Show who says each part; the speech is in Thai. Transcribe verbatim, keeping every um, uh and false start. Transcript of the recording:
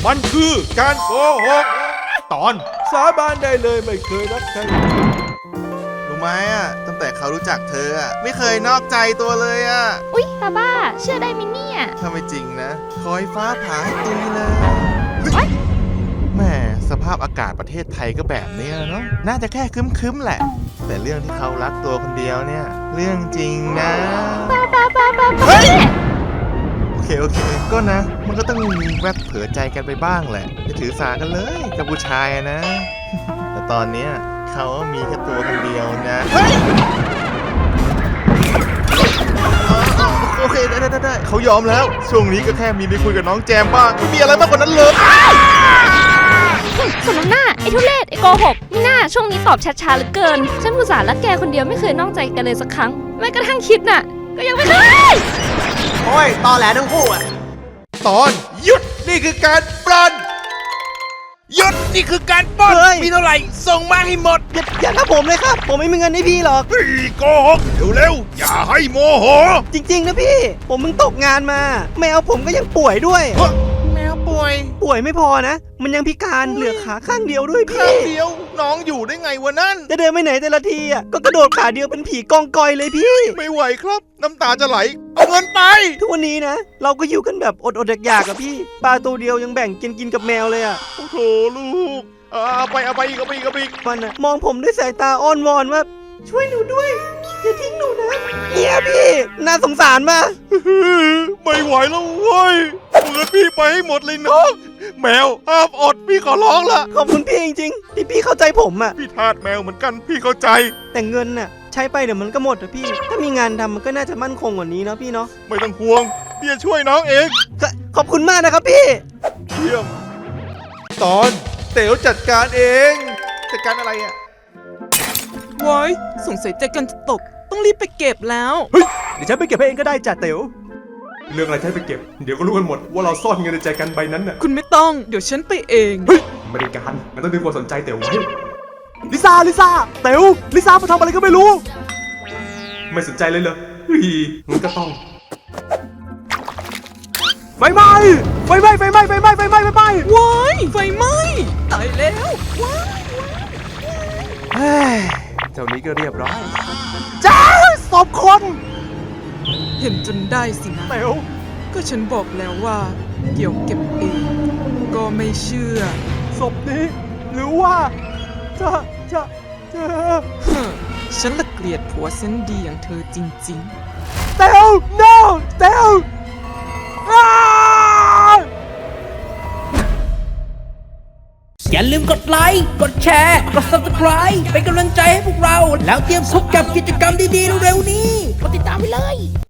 Speaker 1: มันคือการโกหกตอนสาบานได้เลยไม่เคยรักใคร
Speaker 2: รู้ไหมอ่ะตั้งแต่เขารู้จักเธออ่ะไม่เคยนอกใจตัวเลยอ่ะ
Speaker 3: อุ๊ยบ้าบ้าเชื่อได้ไหมเนี่ย
Speaker 2: ถ้าไม่จริงนะคอยฟ้าผ่าให้ตุยเลย
Speaker 3: ย
Speaker 2: แหม่สภาพอากาศประเทศไทยก็แบบนี้เนาะน่าจะแค่คึ้มๆแหละแต่เรื่องที่เขารักตัวคนเดียวเนี่ยเรื่องจริงนะ
Speaker 3: บ้าบ้าบ้าบ้าบ้า
Speaker 2: เฮ้ย โอเคโอเคก็นะมันก็ต้องมีแวบเผลอใจกันไปบ้างแหละจะถือสากันเลยกับผู้ชายอะนะ แต่ตอนเนี้ยเขามีแค่ตัวคนเดียวนะเฮ้ยโอเคได้ได้ได้เขายอมแล้วช่วงนี้ก็แค่มีไปคุยกับน้องแจมบ้างไม่มีอะไรมากกว่านั้นเลย
Speaker 3: สมน้ำหน้าไอ้ทุเรศไอ้โกหกนี่หน้าช่วงนี้ตอบช้าๆเหลือเกินฉันอุตส่าห์รักแกคนเดียวไม่เคยนอกใจกันเลยสักครั้งแม้กระทั่งคิดน่ะก็ยังไม่เคย
Speaker 4: โอ้ยตอแหลทั้งคู่อ่ะ
Speaker 1: ตอนหยุดนี่คือการปล้นหยุดนี่คือการปล้น
Speaker 4: เฮ้ย
Speaker 1: มีเท่าไหร่ส่งมาให้หมด
Speaker 4: อย่าอย่ากับผมเลยครับ ผมไม่มีเงินให้พี่หรอก
Speaker 1: เฮ้ยโกหกเร็วๆอย่าให้โมโห
Speaker 4: จริงๆนะพี่ ผมมึงตกงานมา แมวผมก็ยังป่วยด้วย
Speaker 2: แมวป่วย
Speaker 4: ป่วยไม่พอนะ มันยังพิการเหลือขาข้างเดียวด้วย
Speaker 2: ข้า
Speaker 4: พี่
Speaker 2: งเดียวน้องอยู่ได้ไงวะนั่น
Speaker 4: จะเดินไปไหนแต่ละทีอ่ะก็กระโดดขาเดียวเป็นผีกองกอยเลยพี่
Speaker 2: ไม่ไหวครับ น้ำตาจะไหลเอาเงินไป
Speaker 4: ทุกวันนี้นะ เราก็อยู่กันแบบอดๆอยากๆกับพี่ปลาตัวเดียวยังแบ่งกินกินกับแมวเลยอ่ะ
Speaker 2: โอ้โหลูกเอาไปเอาไปอีกเอาไปอีกเอาไปอีก
Speaker 4: มันอะมองผมด้วยสายตาอ้อนวอนว่า ช่วยหนูด้วยอย่าทิ้งหนูนะเนี่ยพี่น่าสงสารมาก
Speaker 2: ไม่ไหวแล้วเว้ยเงินพี่ไปให้หมดเลยน้องแมวห้ามอดพี่ขอร้องละ
Speaker 4: ขอบคุณพี่จริงๆที่พี่เข้าใจผมอ่ะ
Speaker 2: พี่ทาสแมวเหมือนกันพี่เข้าใจ
Speaker 4: แต่เงินน่ะใช้ไปเดี๋ยวมันก็หมดอะพี่ ถ้ามีงานทำมันก็น่าจะมั่นคงกว่านี้เนาะพี่เนาะ
Speaker 2: ไม่ต้องห่วงพี่จะช่วยน้องเอง
Speaker 4: ขขอบคุณมากนะครับพี่
Speaker 2: เยี่ยม
Speaker 1: ตอนเต๋วจัดการเองจัดการอะไรอ่ะ
Speaker 5: ว้ายสงสัยใจกันจะตก ต้องรีบไปเก็บแล้ว
Speaker 1: เฮ้ยเดี๋ยวฉันไปเก็บให้เองก็ได้จ่าเต๋วเรื่องอะไรฉันไปเก็บเดี๋ยวก็รู้กันหมดว่าเราซ่อนเงินในใจกันใบนั้นน่ะ
Speaker 5: คุณไม่ต้อง เดี๋ยวฉันไปเอง
Speaker 1: เฮ้ยไม่ได้การมันต้องดึงความสนใจเต๋วไว้ลิซ่าลิซ่าเต๋วลิซ่ามาทำอะไรก็ไม่รู้ ไม่สนใจเลยเหรอเฮ้ยมันก็ต้องไฟไหม้ไฟไหม้ไฟไหม้ไฟไหม้ไฟไหม้ไฟไหม้
Speaker 5: ว้ายไฟไหม้ตายแล้ว ว้าย
Speaker 1: เฮ้ยเจ้านี้ก็เรียบร้อยจ้าศพคน
Speaker 5: เห็นจนได้สินะ
Speaker 1: เต๋ว
Speaker 5: ก็ฉันบอกแล้วว่า เดี๋ยวเก็บเอง ก็ไม่เชื่อ
Speaker 1: ศพนี้หรือว่าจะจะจะ
Speaker 5: เฮ้อฉันละเกลียดผัวเส้นดีอย่างเธอจริงๆ
Speaker 1: เต๋ว no เต๋วอ้า
Speaker 6: อย่าลืมกดไลค์ กดแชร์ กด ซับสไครบ์ เป็นกำลังใจให้พวกเรา แล้วเตรียมพบกับกิจกรรมดีๆเร็วๆนี้ กดติดตามไปเลย